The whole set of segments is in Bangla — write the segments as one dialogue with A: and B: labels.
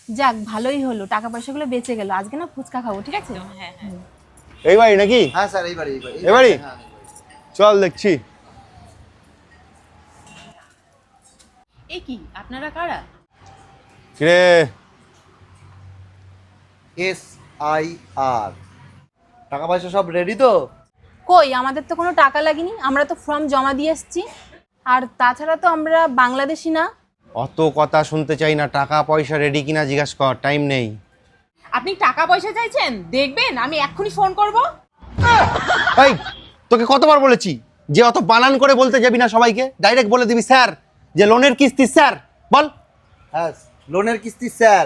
A: যাক ভালোই হলো, টাকা পয়সাগুলো বেঁচে গেল। আজকে না ফুচকা খাবো, ঠিক আছে?
B: হ্যাঁ হ্যাঁ।
C: এই বাড়ি নাকি?
D: হ্যাঁ স্যার, এই বাড়ি
C: এই বাড়ি? চল দেখছি।
B: এই কি আপনারা কারা?
C: কিরে
D: SIR টাকা পয়সা সব রেডি তো?
A: কই, আমাদের তো কোনো টাকা লাগেনি, আমরা তো ফর্ম জমা দিয়ে এসেছি। আর তাছাড়া তো আমরা বাংলাদেশি না।
C: অত কথা শুনতে চাই না, টাকা পয়সা রেডি কিনা জিজ্ঞাসা কর, টাইম নেই।
B: আপনি টাকা পয়সা চাইছেন? দেখবেন আমি এক্ষুনি ফোন করব।
C: এই তোকে কতবার বলেছি যে অত বানান করে বলতে যাবি না সবাইকে, ডাইরেক্ট বলে দিবি স্যার, যে লোনের কিস্তি স্যার। বল।
D: হ্যাঁ, লোনের কিস্তি স্যার।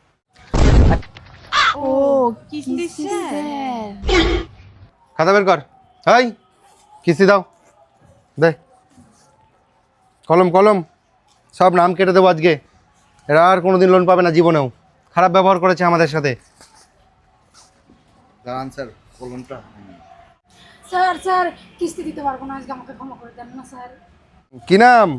A: ও কিস্তি স্যার।
C: খাতা বের কর। এই কিস্তি দাও, দে। কলম কলম, সব নাম কেটে দেবো আজকে। এরা আর কোনোদিন লোন পাবে না জীবনেও। খারাপ ব্যবহার করেছে আমাদের সাথে।
D: দাঁড়ান স্যার, কলমটা।
E: স্যার স্যার কিস্তি দিতে পারবো না আজকে, আমাকে ক্ষমা করে দেন না স্যার।
C: কি নাম?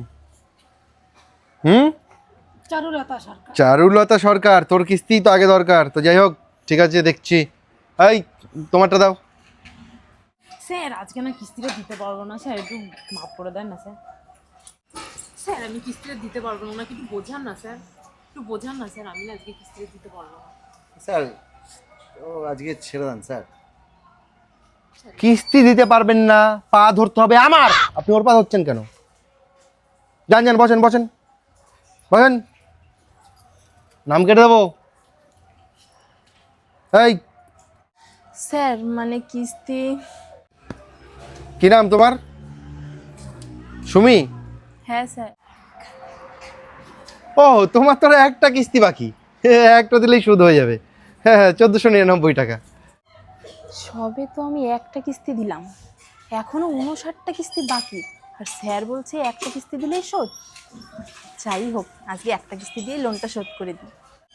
E: চারুলতা সরকার।
C: চারুলতা সরকার। তোর কিস্তি তো আগে দরকার, তো যাই হোক ঠিক আছে দেখছি। এই তোমারটা দাও।
B: স্যার আজকে না কিস্তিটা দিতে পারবো না স্যার, একটু মাফ করে দেন না স্যার। স্যার আমি কিস্তিটা দিতে পারবো না, ওনাকে একটু বোঝান না স্যার, একটু বোঝান না স্যার, আমি না আজকে কিস্তিটা দিতে পারবো না।
D: স্যার ও আজকে ছেড়ে দেন স্যার।
C: কিস্তি দিতে পারবেন না, পা ধরতে হবে আমার। আপনি ওর পা ধরছেন কেন? যান যান, বসেন বসেন বসেন, নাম কেটে দেবো। এই
A: স্যার মানে কিস্তি।
C: কি নাম তোমার? সুমি?
A: হ্যাঁ স্যার।
C: ও তোমার তো একটা কিস্তি বাকি, একটা দিলেই সুদ হয়ে যাবে। হ্যাঁ হ্যাঁ, 1499 টাকা।
A: সবে তো আমি একটা কিস্তি দিলাম, এখনো 59টা কিস্তি বাকি, আর স্যার বলছে একটা কিস্তি দিলেই শোধ। যাই হোক, আজকে একটা কিস্তি দিয়ে লোনটা শোধ করে দিই।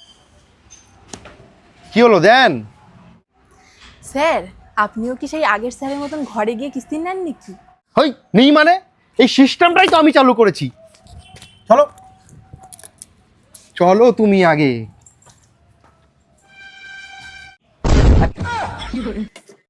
C: কি হলো দেন?
A: স্যার আপনিও কি সেই আগের স্যারের মতন ঘরে গিয়ে কিস্তি নেন নাকি?
C: হই নেই মানে, এই সিস্টেমটাই তো আমি চালু করেছি। চলো চলো তুমি আগে।